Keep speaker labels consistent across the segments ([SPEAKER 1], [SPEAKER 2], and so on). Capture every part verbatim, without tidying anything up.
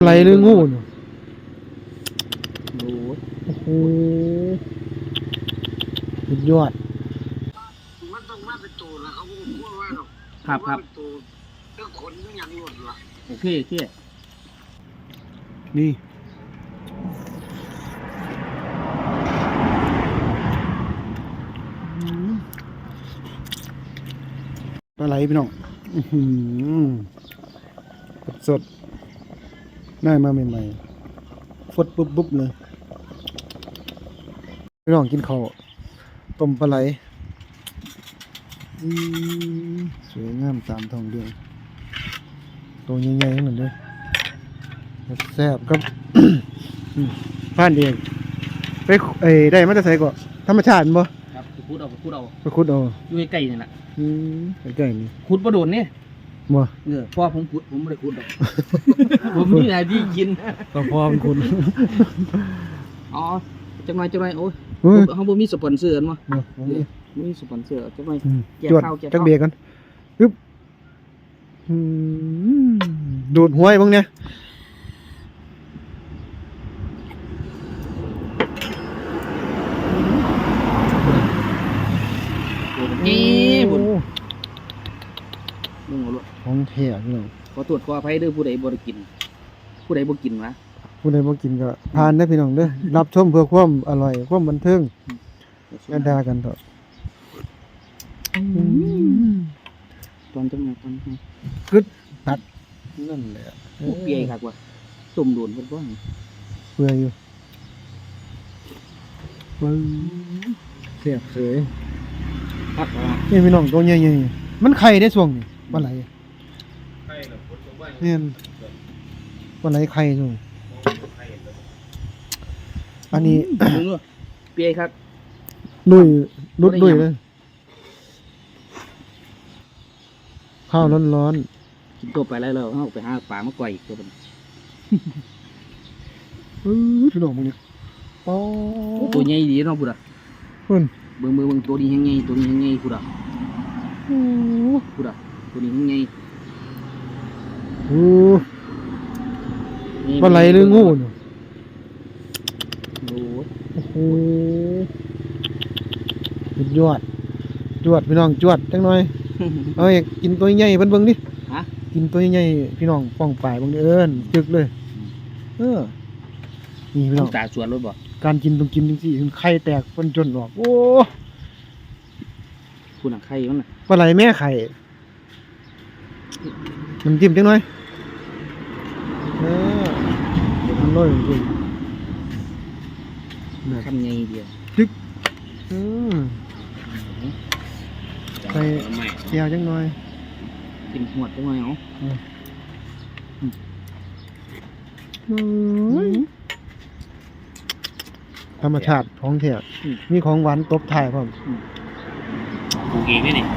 [SPEAKER 1] อะไรหรืองูเนาะโอ้โหสุดยอด
[SPEAKER 2] มันต้องมาเป็นตัวแล้วเขาพูดว่าหรอก
[SPEAKER 3] ครับครับ
[SPEAKER 2] ตัวเรื่องขนเรื่องอย่างหลุดละ
[SPEAKER 3] โอเคโอเค
[SPEAKER 1] นี่ปลาไหลพี่น้องสดได้มาใหม่ๆฟดปุ๊บปุ๊บเลยพี่น้องกินข้าวต้มปลาไหลสวยงามตามท้องเรื่องตัวใหญ่ๆทั้งนั้นเลยแซ่บครับ ผ่านเองไปไอ้ได้มาจะใส่ก่อนธรรมชาติบ่
[SPEAKER 3] ครับไปคุดเอาไปคุดเอา
[SPEAKER 1] ไปขุดเอา
[SPEAKER 3] อยู่ใกล้ๆนี่แหละ
[SPEAKER 1] อืมใกล้ๆนี่
[SPEAKER 3] ขุดประโดนเนี่ย
[SPEAKER 1] บ่
[SPEAKER 3] เออพ่อผมขุดผมไม่ได้ขุดหรอก ผมนี่หน้าที่กิน
[SPEAKER 1] ก็พอมันขุด
[SPEAKER 3] อ๋อจังหน่อยจังหน่อยโอ้ยเขาบ่มีสปอนเซอร์มั้งบ่มีสปอนเซอร์จังหน่อยแจกข้าวแจก
[SPEAKER 1] จักเบียร์กันปึ๊บดูดหัวไอ้พวกเนี้ย
[SPEAKER 3] นี่บุญมึงเอาลูก
[SPEAKER 1] ของแท้พี่น้อง
[SPEAKER 3] ขอตรวจขออภัยเด้อผู้ใดบ่ได้กินผู้ใดบ่กินวะ
[SPEAKER 1] ผู้ใดบ่กินก็ทานได้พี่น้องเด้อรับชมเพื่อความอร่อยความบันเทิงอย่าด่ากันเถอะ
[SPEAKER 3] ตอนจังหวะตอน
[SPEAKER 1] กึดตัดนั่นแหละ
[SPEAKER 3] เปียคักว่ะตุ่มโดนเพิ่นบ่
[SPEAKER 1] เปื่อยอยู่ปึ้งเสียบเสย
[SPEAKER 3] ครับ
[SPEAKER 1] นี่พี่น้องตัวใหญ่ๆมันไข่ได้ช่วงนี้ปลาไหลไข่น่ะฝนตกบ่เนี่ยปลาไหลไข่ช่วงอันนี้
[SPEAKER 3] เปียครับ
[SPEAKER 1] ลุยลุดลุยเลยข้าวร้อน
[SPEAKER 3] ๆกินตัวไปแล้วเราเอาไปหาปลามาก่อยอีกตัวนึง
[SPEAKER 1] เออพี่น้องมึงนี่อ๋อ
[SPEAKER 3] ตัวใหญ่ดีเนาะพุ่นอ่ะ
[SPEAKER 1] เพิ่น
[SPEAKER 3] เบิ่งๆๆตัวนี้แฮงใหญ่ตัวนี้แฮงใหญ่พุ่นอ่ะโอ้พุ่นอ่ะตัวนี้แฮงใหญ่
[SPEAKER 1] โอ้ปลาไหลหรืองูเนาะ
[SPEAKER 3] โอ้
[SPEAKER 1] โหสุดยอดจวดพี่น้องจวดจังหน่อยเอาอยากกินตัวใหญ่เพิ่นเบิ่งดิ
[SPEAKER 3] ฮะ
[SPEAKER 1] กินตัวใหญ่พี่น้องป้องปลายเบิ่งเอิ้นจึกเลยเออนี่พี่น้อง
[SPEAKER 3] ตาสวนรถบ่
[SPEAKER 1] การกินต้องกินจังซี่ถึงไข่แตกเพิ่นจนออกโอ้
[SPEAKER 3] คุณน่ะไข่มันน่ะ
[SPEAKER 1] ปลาไหลแม่ไข่น้ำจิ้มจังหน่อยเออเดี๋ยวมันลอยจริง
[SPEAKER 3] คำใหญ่เดียว
[SPEAKER 1] จึกอือใส่เจียวจังหน่อย
[SPEAKER 3] กินหวดจังหน่อยเอา
[SPEAKER 1] ธรรมชาติของแท้มีของหวานตบท้ายพร้อม
[SPEAKER 3] ปลูกเองนี่นี่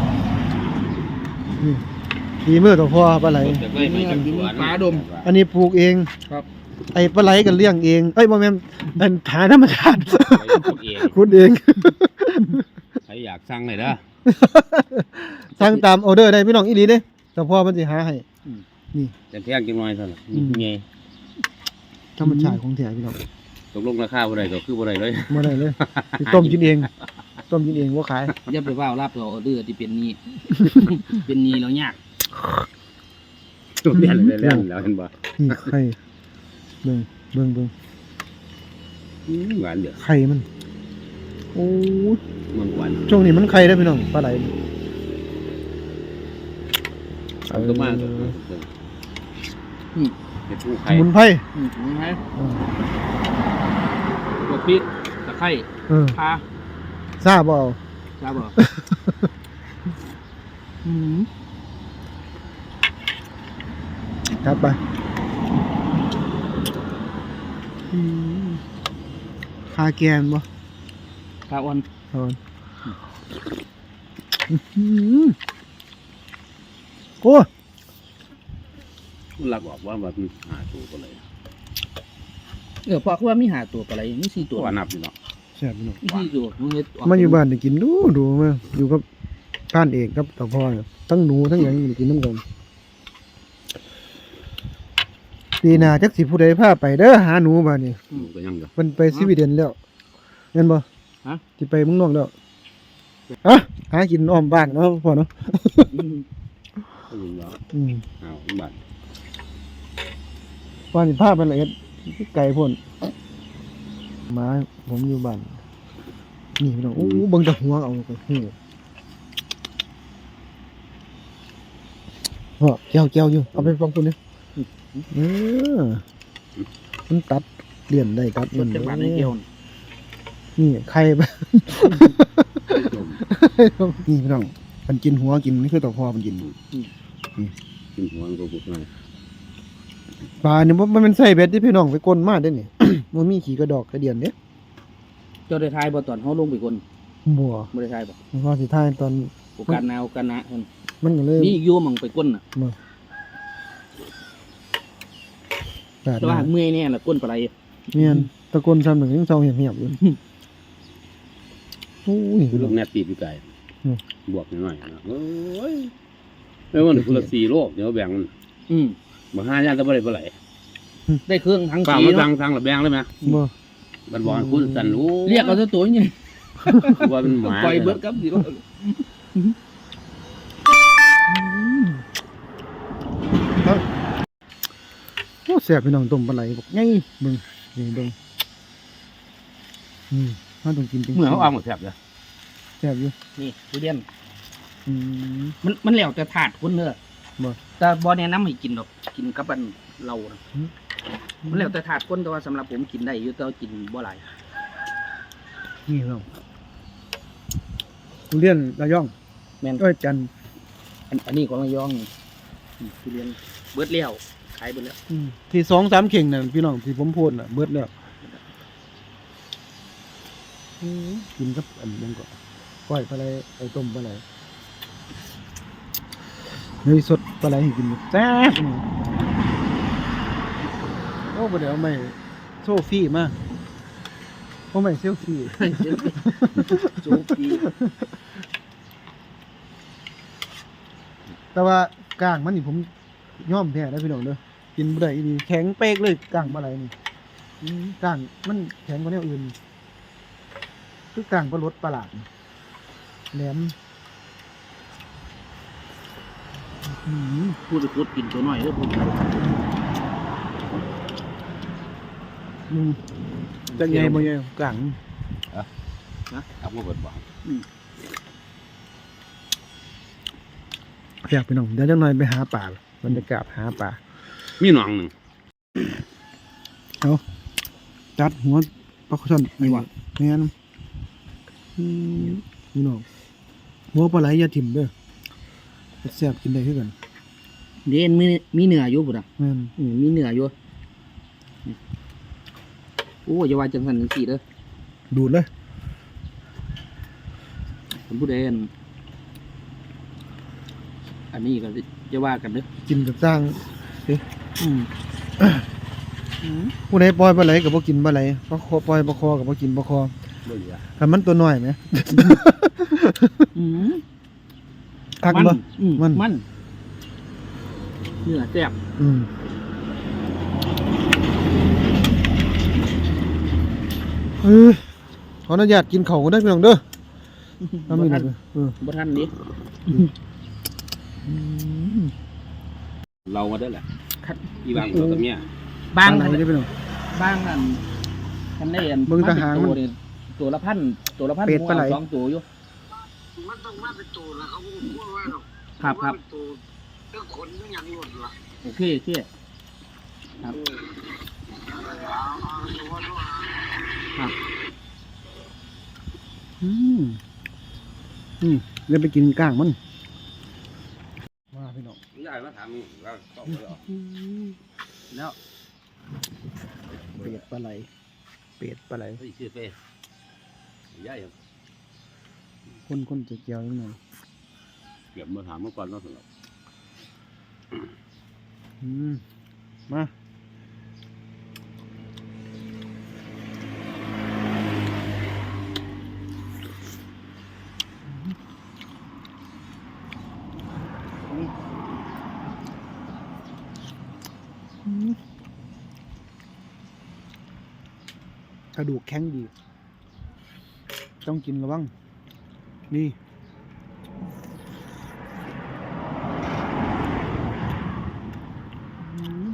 [SPEAKER 1] ดีมือตัวพ่อปลาไหล
[SPEAKER 3] ปลาดม
[SPEAKER 1] อันนี้ปลูกเอง
[SPEAKER 3] ครับ
[SPEAKER 1] ไอ้ปลาไหลกันเลี้ยงเองเอ้ยบ่แม่นเป็นฐานธรรมชาติคุณเอง
[SPEAKER 4] ใครอยากสั่งเลยเด้อ
[SPEAKER 1] สั่งตามออเดอร์ได้พี่น้องอีหลีเด้แต่พ่อมันสิหาให้นี่
[SPEAKER 4] จะแพงจังหน่อยเท่านั้นนี่ไง
[SPEAKER 1] ธรรมชาติของแท้พี่น้อง
[SPEAKER 4] ตกลงราคาบ่ได้ก็คือบ่ได้เลย
[SPEAKER 1] บ่ได้เลยต้มกินเองต้มกินเองบ่ขาย
[SPEAKER 3] อย่าไปว่ารับเอาออเดอร์ที่เป็นนี้เป็นนี้แล้วยาก
[SPEAKER 4] ตัวเปลี่ยนเลยแล้วแล้วเห็นบ่
[SPEAKER 1] นี่ไข่เบิ่งเบิ่งเบิ่ง
[SPEAKER 4] หวานเด้อ
[SPEAKER 1] ไข่มันโอ้
[SPEAKER 4] มันหวาน
[SPEAKER 1] ช่วงนี้มันไข่ได้พี่น้องปลาไหล
[SPEAKER 4] เอาตัวมาตัวอืมเห็ดผู้ไข่
[SPEAKER 1] สมุนไพร
[SPEAKER 3] อืมสมุนไพรบวกพริกตะไคร้ข่า
[SPEAKER 1] ทราบบ่
[SPEAKER 3] ทราบบ่อืม
[SPEAKER 1] ครับไปคาแกนบ่
[SPEAKER 3] คาอ่อน
[SPEAKER 1] อ่อนโอ้
[SPEAKER 4] หลักบอกว่าแบบมีหาตัวก็เลย
[SPEAKER 3] เออพอคือว่ามีหาตัวอะไรมีสี่ตัว
[SPEAKER 4] นับอยู่เนาะ
[SPEAKER 1] แซ่บอยู่เนาะ
[SPEAKER 3] สี่ตัว
[SPEAKER 1] มาอยู่บ้านได้กินดูดูมาอยู่กับท่านเอกครับต่อพ่อทั้งหนูทั้งหยังกินน้ำกันปีหน้าจักสิผู้ใดพาไปเด้อหาหนูบัดนี้
[SPEAKER 4] หนูก็ยังก็
[SPEAKER 1] เพิ่นไปสวีเดนแล้วแม่นบ่
[SPEAKER 3] ฮะ
[SPEAKER 1] สิไปเมืองนอกแล้วอะหากินอ้อมบ้านเนาะพ่อเนาะ
[SPEAKER 3] อืม
[SPEAKER 4] ก็ยังว่า
[SPEAKER 1] อืม
[SPEAKER 4] อ้าวบัด
[SPEAKER 1] ว่าสิพาไปละเอียดไกลพุ่นหมาผมอยู่บ้านนี่พี่น้องโอ้เบิ่งแต่หัวเอาก็ฮู้พ่อแก้วแก้วอยู่เอาไปฟังพุ่นนี่เออมันตัดเลี่ยนได้ตัด
[SPEAKER 3] ร
[SPEAKER 1] เลี่ย
[SPEAKER 3] ถ
[SPEAKER 1] น
[SPEAKER 3] จักร
[SPEAKER 1] ได้
[SPEAKER 3] บาทในเกี่ยวน่ะ
[SPEAKER 1] นี่ไข่ไป
[SPEAKER 4] ต้ม
[SPEAKER 1] นี่พี่น้องมันกินหัวกินนี่คือตัวพ่อมันกิน
[SPEAKER 4] กินหัวมันก็บุกมา
[SPEAKER 1] ปลาเนี่ยมันเป็นไส้เบ็ดที่พี่น้องไปก้นมาได้นี่ มันมีขี่กระดอกกระเดียนเนี่ย
[SPEAKER 3] เจ้าได้ทายบ่ตอนเฮาลงไปคน
[SPEAKER 1] บัว
[SPEAKER 3] บ่ได้ทายบ่
[SPEAKER 1] มันก็สิท้ายตอน
[SPEAKER 3] โอกาสหนาวกันนะเพิ่น
[SPEAKER 1] มันก็เลย
[SPEAKER 3] มีอีกอยู่หม่องไปก้นน่ะ
[SPEAKER 1] แปด
[SPEAKER 3] แต่ว่าเมื่อยแน่ล่ะก้นปลาไหล
[SPEAKER 1] เมียนตะโกนซ้ำหนึ่งยังเศร้าเหี่ยมๆอยู่โอ้ย
[SPEAKER 4] คือลูกแนบตีบอยู่ไกล
[SPEAKER 1] อืม
[SPEAKER 4] บวกหน่อยๆนะโอ้ยแล้วมันคนละสี่โลกเดี๋ยวแบ่งมัน
[SPEAKER 3] อืม
[SPEAKER 4] บ่ห้าย่านตะบ่ได้บ่ไหล
[SPEAKER 3] ได้เครื่องทั้ง
[SPEAKER 4] ฝาก
[SPEAKER 3] สี
[SPEAKER 4] มาทา
[SPEAKER 3] เนาะ
[SPEAKER 4] งทางละแบ่งเลยไหม
[SPEAKER 1] บ่
[SPEAKER 4] บันบอกให้คุณสั่นรู้
[SPEAKER 3] เรียกเอาซะตัวนี่
[SPEAKER 4] ว่าเป็นหมา
[SPEAKER 3] ปล่อยเบิดครับสิ
[SPEAKER 1] โอ้แซ่บพี่น้องต้มปลาไหลบอกไงเบิ่งนี่เบิ่งอืมถ้าต้องกินจริงๆ
[SPEAKER 4] เมื่อเขาเอาหมดแซ่บเลย
[SPEAKER 1] แซ่บอยู่
[SPEAKER 3] นี่ทุเรียน
[SPEAKER 1] อืม
[SPEAKER 3] มันมันแล้วแต่ถาดคนเด้อ
[SPEAKER 1] บ่
[SPEAKER 3] แต่บ่แนะนำให้กินดอกกินกับอันเรานะมันแล้วแต่ถาดคนแต่ว่าสำหรับผมกินได้อยู่แต่ว่ากินบ่หลาย
[SPEAKER 1] นี่พี่น้องทุเรียนระยอง
[SPEAKER 3] แม่น
[SPEAKER 1] เอ้ยจันทร์
[SPEAKER 3] อันอันนี้ของระยองนี่นี่ทุเรียนเบิดแล้วขายเบิดแล้ว
[SPEAKER 1] อืมที่สองสามเข่งน่ะพี่น้องที่ผมพูดน่ะเบิดแล้วอืมกินกับอันนั้นก็ก้อยปลาไหลไอ้ต้มปลาไหลเฮ้ยสดปลาไหลให้กินอยู่แซ่บอืมโอ้บ่ได้เอาไม่โซฟี่มาเพราะไม่เซลฟี่
[SPEAKER 3] โจ๊กปี
[SPEAKER 1] แต่ว่ากลางมันนี่ผมย่อมแท้นะพี่น้องเด้อกินบ่ได้อีนี่แข็งเป๊กเลยกลางปลาไหลนี่อืมกลางมันแข็งกว่าแนวอื่นคือกลางปลารสประหลาดนี่แหลมอืม
[SPEAKER 3] พูดพูดกินตัวน้อยเด้อพูด
[SPEAKER 1] อืมจะใหญ่บ่ใหญ่กลาง
[SPEAKER 4] เอามาเบิดบอก
[SPEAKER 1] อยากไปน้องเดี๋ยวจังหน่อยไปหาป่าบรรยากาศหาป่า
[SPEAKER 4] มีหนองหนึ่ง
[SPEAKER 1] จัดหัวปลาช่อนไอ้วะแม่นอืมพี่น้องหัวปลาไหลอย่าถิ่มเด้อแซ่บกินได้คือกัน
[SPEAKER 3] เด่นมีมีเนื้ออยู่พุ่นน่ะ
[SPEAKER 1] แม่น
[SPEAKER 3] อืมมีเนื้ออยู่โอ้อย่าว่าจังซั่นจังซี่เด้อ
[SPEAKER 1] ดูดเลย
[SPEAKER 3] ผมผู้ใดอันอันนี้ก็จะว่ากันเด้อ
[SPEAKER 1] กินกับสร้างเด้
[SPEAKER 3] อืม
[SPEAKER 1] ผู้ใดปล่อยปลาไหลก็บ่กินปลาไหลปลาคอปล่อยปลาคอก็บ่กินปลาคอ
[SPEAKER 4] บ่เหลือ
[SPEAKER 1] ถ้ามันตัวน้อยไหม
[SPEAKER 3] อืม
[SPEAKER 1] คัก
[SPEAKER 3] มัน
[SPEAKER 1] บ่
[SPEAKER 3] อืม
[SPEAKER 1] มัน
[SPEAKER 3] มันเนื้อแซ่บ
[SPEAKER 1] อืมเออขออนุญาตกินข้าวกันได้อพี่น้องเด้อทำนี่นะเออ
[SPEAKER 3] บ่ทันนี้
[SPEAKER 4] เรามาได้แหละ
[SPEAKER 3] คัด
[SPEAKER 4] อีบางตัวกับเมีย
[SPEAKER 3] บาง
[SPEAKER 1] ไหน
[SPEAKER 3] อัน
[SPEAKER 1] ได้อพี่น้อง
[SPEAKER 3] บางอันคันได้อัน
[SPEAKER 1] เบิ่งทหารมัน
[SPEAKER 3] ตัวนี่ตัวละพันตัวละพัน
[SPEAKER 1] เป็ดปลาไหล
[SPEAKER 3] สองตัวอยู่
[SPEAKER 2] มันต้องมาเป็นตัวแล้วเขาก็พูดว่าหรอก
[SPEAKER 3] ครับครับ
[SPEAKER 2] ว่าเป็นตัวเรื่องขนเรื่องอย่างหลุดละ
[SPEAKER 3] โอเคโอเคครับ
[SPEAKER 2] เอาเอาดูว่าดูเอา
[SPEAKER 3] ครับ
[SPEAKER 1] อืมอืมเดี๋ยวไปกินก้างมันมาพี่น้อง
[SPEAKER 4] ยายมาถามมึงเราตอบแล้ว
[SPEAKER 3] แล้ว
[SPEAKER 1] เป็ดปลาไหลเป็ดปลาไหล
[SPEAKER 4] เฮ้ยชื่อเป้ยาย
[SPEAKER 1] คนคนจะเกี่ยวนิดหน่อย
[SPEAKER 4] เก็บมาถามเมื่อก่อนเนาะสำหรับ
[SPEAKER 1] อืมมากระดูกแข็งดี ต้องกินระวังนี่อืม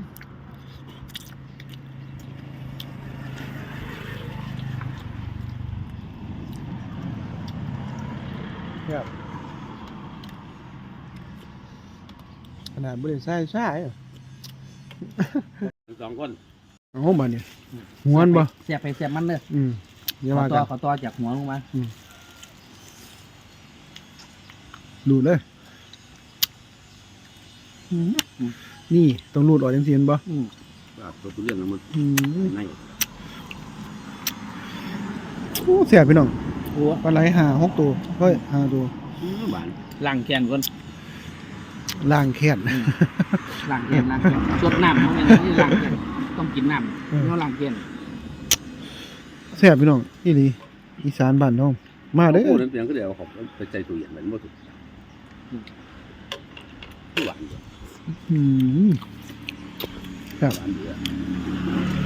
[SPEAKER 1] ครับขนาดบริษัทใช่เหรอ
[SPEAKER 4] สองคน
[SPEAKER 1] เอามาเนี่ยหัวมันบ่
[SPEAKER 3] เสียบไปเสียบมันเลย
[SPEAKER 1] อืมอย่า
[SPEAKER 3] ขอ
[SPEAKER 1] ว่า
[SPEAKER 3] ต่
[SPEAKER 1] กั
[SPEAKER 3] อน ขอต่อจากหัวลงมา
[SPEAKER 1] ดูดเลยนี่ต้องรูดออกจังซี่เห็นบ่
[SPEAKER 3] อืม
[SPEAKER 4] แบบตัวเรื่องนั้นมัน
[SPEAKER 1] อืม
[SPEAKER 4] ใน
[SPEAKER 1] โอ้เสียพี่น้อง
[SPEAKER 3] โอ้
[SPEAKER 1] ปลาไหลห้าหกตัวเฮ้ยห้าตัว
[SPEAKER 4] หวาน
[SPEAKER 3] ล้างแกนก่อน
[SPEAKER 1] ล่างแค้น
[SPEAKER 3] ล้างแกนล้างแกนสดน้ำเพราะงั้นนี่ล้างแกนต้องกินน้ำ
[SPEAKER 1] อืม
[SPEAKER 3] เนาะล้างแกน
[SPEAKER 1] เสียพี่น้องอีหลีอีสานบ้านน้องมาเด้อ
[SPEAKER 4] โอ้นั่นเพียงก็เดี๋ยวเขาไปใจตัวเย็นเหมือนบ่ถูกหวาน
[SPEAKER 1] อืมครับ
[SPEAKER 4] หวานเยอะ